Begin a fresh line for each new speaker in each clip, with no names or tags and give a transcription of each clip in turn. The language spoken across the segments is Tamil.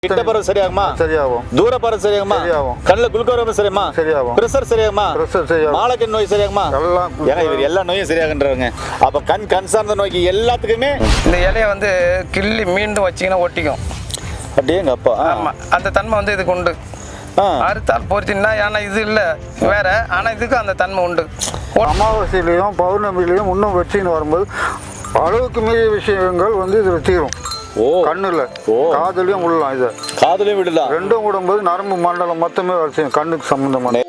கிட்ட பரவ சரியாகுமா?
சரியாகும்.
தூர பரவ சரியாகுமா?
சரியாகும்.
கண்ணுல குளுக்கோஸ் சரியாகுமா?
சரியாகும்.
பிரஷர் சரியாகுமா?
பிரஷர் சரியாகும்.
மாலக்கண் நோய் சரியாகுமா?
எல்லாம்
ஏங்க இவர் எல்லா நோயும் சரியாகன்றவங்க. அப்ப கண் சார்ந்த நோய்க்கு எல்லாத்துக்குமே
இந்த இலையை வந்து கிள்ளி மீண்டும் வச்சிங்கன்னா ஒட்டிக்கும்.
அப்படியேங்க அப்பா.
ஆமாம், அந்த தன்மை வந்து இதுக்கு உண்டு. அறுத்தால் பொறுத்தின்னா ஏன்னா இது இல்லை வேற, ஆனால் இதுக்கு அந்த தன்மை உண்டு.
அமாவாசையிலையும் பௌர்ணமிலையும் இன்னும் வச்சுன்னு வரும்போது அளவுக்கு மீறிய விஷயங்கள் வந்து இதில் தீரும். கண்ணுல காதுலயும் விடலாம், இதை
காதுலயும் விடலாம்.
ரெண்டும் விடும்போது நரம்பு மண்டலம் மொத்தமே வேலை செய்யும், கண்ணுக்கு சம்பந்தமான.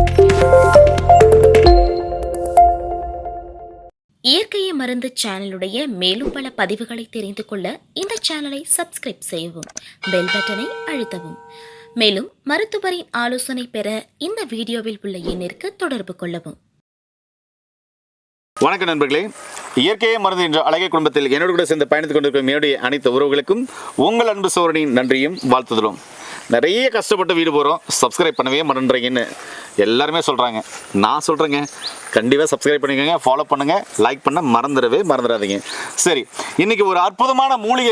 இயற்கையை மருந்து சேனலுடைய மேலும் பல பதிவுகளை தெரிந்து கொள்ள இந்த சேனலை சப்ஸ்கிரைப் செய்யவும், பெல் பட்டனை அழுத்தவும். மேலும் மருத்துவரின் ஆலோசனை பெற இந்த வீடியோவில் உள்ள எண்ணிற்கு தொடர்பு கொள்ளவும்.
வணக்கம் நண்பர்களே, இயற்கையை மருந்து என்ற அழகிய குடும்பத்தில் என்னோடு கூட சேர்ந்து பயணித்துக் கொண்டிருக்கும் என்னுடைய அனைத்து உறவுகளுக்கும் உங்கள் அன்பு சோழனின் நன்றியும் வாழ்த்துதலும். நிறைய கஷ்டப்பட்டு வீடு போகிறோம், சப்ஸ்கிரைப் பண்ணவே மறந்துறீங்கன்னு எல்லாருமே சொல்கிறாங்க. நான் சொல்கிறேங்க, கண்டிப்பாக சப்ஸ்கிரைப் பண்ணிக்கோங்க, ஃபாலோ பண்ணுங்கள், லைக் பண்ண மறந்துடாதீங்க. சரி, இன்றைக்கி ஒரு அற்புதமான மூலிகை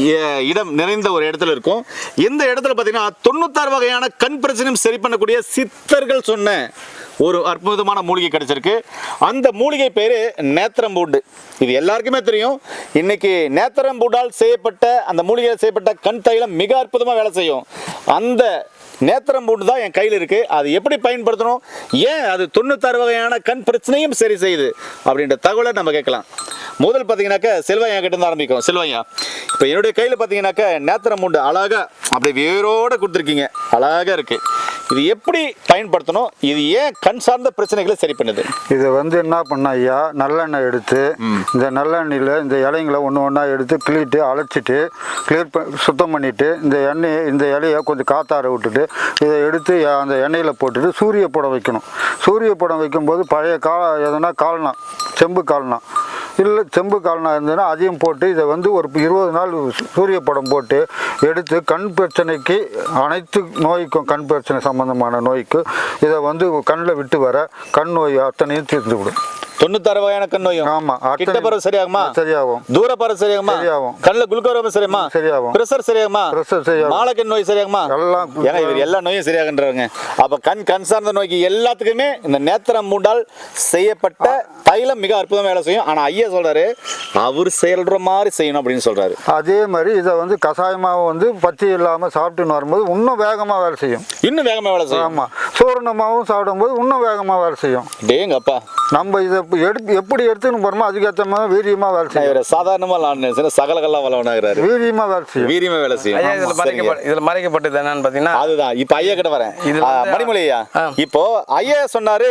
இடம் நிறைந்த ஒரு இடத்துல இருக்கும். இந்த இடத்துல பார்த்தீங்கன்னா 96 வகையான கண் பிரச்சனையும் சரி பண்ணக்கூடிய சித்தர்கள் சொன்ன ஒரு அற்புதமான மூலிகை கிடைச்சிருக்கு. அந்த மூலிகை பேர் நேத்திரம்பூண்டு. இது எல்லாருக்குமே தெரியும். இன்னைக்கு நேத்திரம்பூண்டால் செய்யப்பட்ட அந்த மூலிகையில் செய்யப்பட்ட கண் தைலம் மிக அற்புதமாக வேலை செய்யும். அந்த நேத்திரம்பூண்டு தான் என் கையில் இருக்குது. அது எப்படி பயன்படுத்தணும், ஏன் அது 96 வகையான கண் பிரச்சனையும் சரி செய்யுது அப்படின்ற தகவலை நம்ம கேட்கலாம். முதல் பார்த்தீங்கன்னாக்கா செல்வையா கிட்ட இருந்து ஆரம்பிக்கும். செல்வையா, இப்போ என்னுடைய கையில் பார்த்தீங்கன்னாக்கா நேத்திரம்பூண்டு அழகாக அப்படி வேரோடு கொடுத்துருக்கீங்க, அழகாக இருக்குது. இது எப்படி பயன்படுத்தணும், இது ஏன் கண் சார்ந்த பிரச்சனைகளை சரி பண்ணுது?
இது வந்து என்ன பண்ண ஐயா, நல்லெண்ணெய் எடுத்து இந்த நல்லெண்ணெயில் இந்த இலைங்களை ஒன்று ஒன்றா எடுத்து கிளிட்டு அழைச்சிட்டு சுத்தம் பண்ணிவிட்டு இந்த இலையை கொஞ்சம் காத்தார விட்டுட்டு இதை எடுத்து அந்த எண்ணெயில் போட்டுட்டு சூரிய படம் வைக்கணும். சூரிய படம் வைக்கும்போது பழைய எதனா கால்னா செம்பு கால்னா இல்லை செம்பு கால்னா இருந்ததுன்னா அதையும் போட்டு இதை வந்து ஒரு 20 நாள் சூரிய படம் போட்டு எடுத்து கண் பிரச்சனைக்கு அனைத்து நோய்க்கும் கண் பிரச்சனை சம்பந்தமான நோய்க்கு இதை வந்து கண்ணில் விட்டு வர கண் நோய் அத்தனையும் தீர்ந்து விடும்.
96 வகையான கண் நோயும்.
ஆமா,
கிட்ட பரவ சரியாகுமா?
சரியாகும்.
தூர பரவ சரியாகுமா?
சரியாகும்.
கண்ணுல குளுக்கோஸ் சரியாகுமா?
சரியாகும்.
பிரஷர் சரியாகுமா?
பிரஷர் சரியாகும்.
மாலக்கண் நோய் சரியாகுமா?
எல்லாம்.
ஏன்னா இவர் எல்லா நோயும் சரியாகன்றவங்க. அப்ப கண் சார்ந்த நோய்க்கு எல்லாத்துக்குமே இந்த நேத்திரம்பூண்டால் செய்யப்பட்ட தைலம் மிக அற்புதமா வேலை செய்யும். ஆனா ஐயா சொல்றாரு, அவர் செயல்ற மாதிரி செய்யணும் அப்படின்னு சொல்றாரு.
அதே மாதிரி இதை வந்து கஷாயமாக வந்து பச்சை இல்லாமல் சாப்பிட்டுன்னு வரும்போது இன்னும் வேகமாக வேலை செய்யும்.
இன்னும் வேகமா வேலை செய்யும்.
ஆமாம், சூரணமாகவும் சாப்பிடும்போது இன்னும் வேகமாக வேலை செய்யும்.
டேங்கப்பா,
நம்ம இதை எப்படி எடுத்துன்னு போகிறோமோ அதுக்கேற்ற மாதிரி வீரியமாக வேலை செய்யும்.
சாதாரணமாக சகலகெல்லாம் வளவனாகிறாரு,
வீரியமாக வேலை செய்யும்.
வீரியமா வேலை செய்யும்.
இதில் மறைக்கப்பட்டது என்னன்னு பார்த்தீங்கன்னா,
அதுதான் இப்ப ஐயா கிட்ட வரேன். மணிமொழி ஐயா, இப்போ ஐயா சொன்னாரு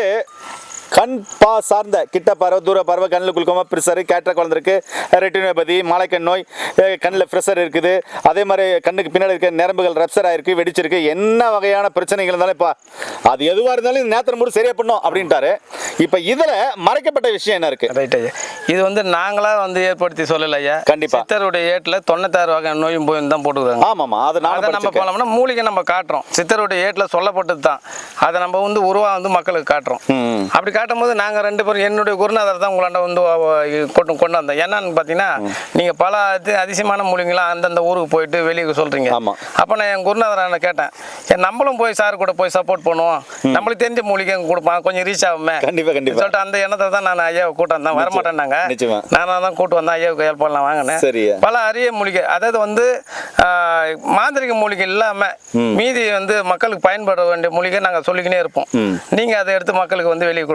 கண் சார்ந்த கிட்ட பறவை தூர பறவை கண்ணில் குளுக்கோமா பிரஷர் கேட்ராக்ட் வளர்ந்துருக்கு, ரெட்டினோபதி மாலைக்கண் நோய், கண்ணில் ப்ரெஷர் இருக்குது, அதே மாதிரி கண்ணுக்கு பின்னாடி இருக்க நரம்புகள் ரப்சர் ஆயிருக்கு, வெடிச்சிருக்கு, என்ன வகையான பிரச்சனைகள் இருந்தாலும் இப்போ அது எதுவாக இருந்தாலும் இந்த நேத்திரம்பூண்டு சரியா பண்ணும் அப்படின்ட்டாரு. இப்போ இதில் மறைக்கப்பட்ட விஷயம் என்ன இருக்கு?
ரைட் ஐயா, இது வந்து நாங்களாக வந்து ஏற்படுத்தி சொல்லலை ஐயா.
கண்டிப்பாக
சித்தருடைய ஏட்டில் 96 வகை நோயும் போய் தான் போட்டுக்கிறாங்க.
ஆமாம்மா, அது
நம்ம போனோம்னா மூலிகை நம்ம காட்டுறோம். சித்தருடைய ஏட்டில் சொல்லப்பட்டது தான், அதை நம்ம வந்து உருவா வந்து மக்களுக்கு காட்டுறோம். அப்படி காட்டும் போது நாங்கள் 2 பேரும் என்னுடைய குருநாதர் தான் உங்களாண்ட வந்து கொண்டு வந்தோம். என்னன்னு பார்த்தீங்கன்னா, நீங்கள் பல அதிசயமான மூலிகைலாம் அந்தந்த ஊருக்கு போயிட்டு வெளியே சொல்கிறீங்க. அப்போ நான் என் குருநாதரை கேட்டேன், நம்மளும் போய் சார் கூட போய் சப்போர்ட் பண்ணுவோம், நம்மளுக்கு தெரிஞ்ச மூலிகை கொடுப்பான், கொஞ்சம் ரீச் ஆகுமே சொல்லிட்டு அந்த எண்ணத்தை தான் நான் ஐயாவை கூட்டம் வந்தேன். வரமாட்டேன்னாங்க, நானாக தான் கூட்டு வந்தேன். ஐயாவுக்கு ஹெல்ப் பண்ணலாம் வாங்கினேன். பல அரிய மூலிகை, அதாவது வந்து மாந்திரிக மூலிகை இல்லாமல் மீதி வந்து மக்களுக்கு பயன்பட வேண்டிய மூலிகை நாங்கள் சொல்லிக்கினே இருப்போம். நீங்கள் அதை எடுத்து மக்களுக்கு வந்து வெளியே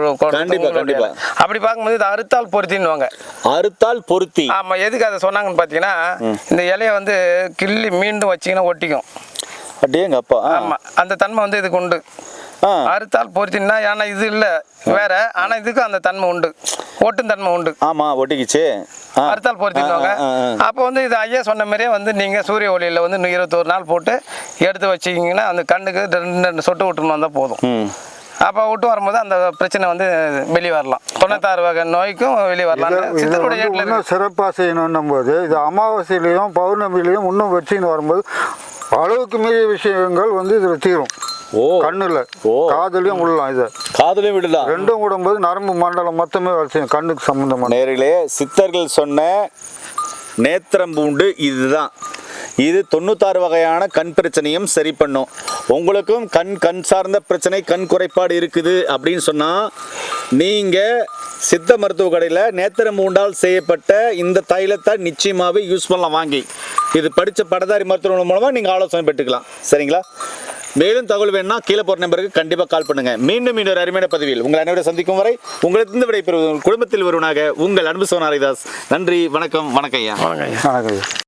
அப்படி பார்க்கும்போது இது அறுத்தால் பொருத்தின்னுவாங்க.
அறுத்தால் பொருத்தி.
ஆமா, எதுக்கு அதை சொன்னாங்கன்னு பார்த்தீங்கன்னா, இந்த இலையை வந்து கிள்ளி மீண்டும் வச்சிங்கன்னா ஒட்டிக்கும்.
அப்படியேங்க அப்பா.
ஆமா, அந்த தன்மை வந்து இதுக்கு உண்டு. அறுத்தால் பொருத்தினா ஏன்னா இது இல்லை வேற, ஆனா இதுக்கு அந்த தன்மை உண்டு, ஒட்டும் தன்மை உண்டு. ஆமா,
ஒட்டிக்கிச்சு.
அறுத்தால் பொருத்திடுவாங்க. அப்போ வந்து இது ஐயா சொன்ன மாதிரியே வந்து நீங்க சூரிய ஒளியில வந்து 21 நாள் போட்டு எடுத்து வச்சிக்கிங்கன்னா அந்த கண்ணுக்கு 2 சொட்டு விட்டுன்னு வந்தா போதும். அப்போ விட்டு வரும்போது அந்த பிரச்சனை வந்து வெளியே வரலாம். 96 வகை நோய்க்கும் வெளியே வரலாம்.
சிறப்பாக செய்யணும் போது இது அமாவாசையிலையும் பௌர்ணமிலையும் இன்னும் வச்சுன்னு வரும்போது அளவுக்கு மீறிய விஷயங்கள் வந்து இதில் தீரும். கண்ணுல காதுலயும் விடலாம், இதை
காதுலயும் விடலாம்.
ரெண்டும் விடும்போது நரம்பு மண்டலம் மொத்தமே வேலை செய்யும், கண்ணுக்கு சம்பந்தமான.
நேர்களே, சித்தர்கள் சொன்ன நேத்திரம்பூண்டு இதுதான். இது 96 வகையான கண் பிரச்சனையும் சரி பண்ணும். உங்களுக்கும் கண் சார்ந்த பிரச்சனை, கண் குறைபாடு இருக்குது அப்படின்னு சொன்னால் நீங்கள் சித்த மருத்துவ கடையில் நேத்திர மூண்டால் செய்யப்பட்ட இந்த தைலத்தை நிச்சயமாகவே யூஸ் பண்ணலாம். வாங்கி இது படித்த பட்டதாரி மருத்துவர்கள் மூலமாக நீங்கள் ஆலோசனை பெற்றுக்கலாம். சரிங்களா? மேலும் தகவல் வேணும்னா கீழே போகிற நம்பருக்கு கண்டிப்பாக கால் பண்ணுங்கள். மீண்டும் இன்னொரு அருமையான பதிவில் உங்கள் அனைவரை சந்திக்கும் வரை உங்களுக்கு விடைபெறுவது குடும்பத்தில் ஒருவனாக உங்கள் அன்பு சோனாரிதாஸ். நன்றி, வணக்கம். வணக்கம் ஐயா.
வணக்கம் ஐயா.
வணக்கம் ஐயா.